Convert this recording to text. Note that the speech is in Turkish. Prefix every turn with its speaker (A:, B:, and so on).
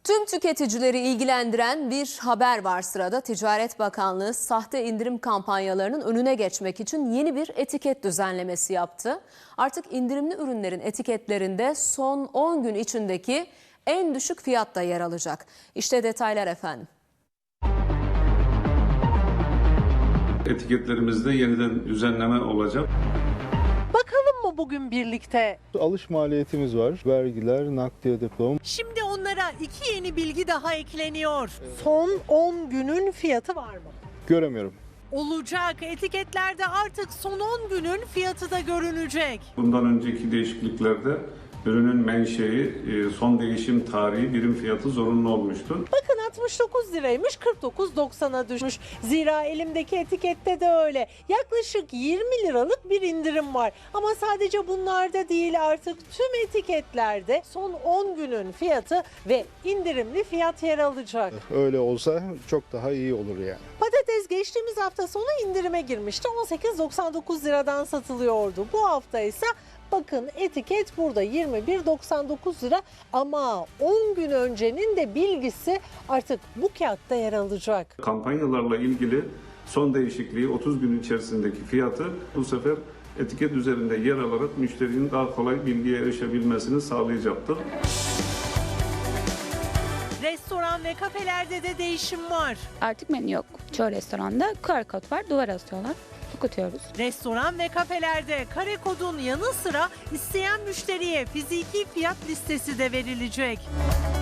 A: Tüm tüketicileri ilgilendiren bir haber var sırada. Ticaret Bakanlığı sahte indirim kampanyalarının önüne geçmek için yeni bir etiket düzenlemesi yaptı. Artık indirimli ürünlerin etiketlerinde son 10 gün içindeki en düşük fiyat da yer alacak. İşte detaylar efendim.
B: Etiketlerimizde yeniden düzenleme olacak.
C: Bakalım mı bugün birlikte?
D: Alış maliyetimiz var. Vergiler, nakliye depolama.
C: Şimdi onlara iki yeni bilgi daha ekleniyor. Son 10 günün fiyatı var mı?
D: Göremiyorum.
C: Olacak. Etiketlerde artık son 10 günün fiyatı da görünecek.
B: Bundan önceki değişikliklerde ürünün menşei, son değişim tarihi, birim fiyatı zorunlu olmuştu.
C: Bakın 69 liraymış, 49.90'a düşmüş. Zira elimdeki etikette de öyle. Yaklaşık 20 liralık bir indirim var. Ama sadece bunlarda değil, artık tüm etiketlerde son 10 günün fiyatı ve indirimli fiyat yer alacak.
D: Öyle olsa çok daha iyi olur yani.
C: Patates geçtiğimiz hafta sonu indirime girmişti. 18.99 liradan satılıyordu. Bu hafta ise bakın etiket burada 21.99 lira ama 10 gün öncenin de bilgisi artık bu kağıtta yer alacak.
B: Kampanyalarla ilgili son değişikliği 30 gün içerisindeki fiyatı bu sefer etiket üzerinde yer alarak müşterinin daha kolay bilgiye erişebilmesini sağlayacaktır.
C: Restoran ve kafelerde de değişim var.
E: Artık menü yok. Çoğu restoranda QR kod var, duvara asıyorlar. Okutuyoruz.
C: Restoran ve kafelerde kare kodun yanı sıra isteyen müşteriye fiziki fiyat listesi de verilecek.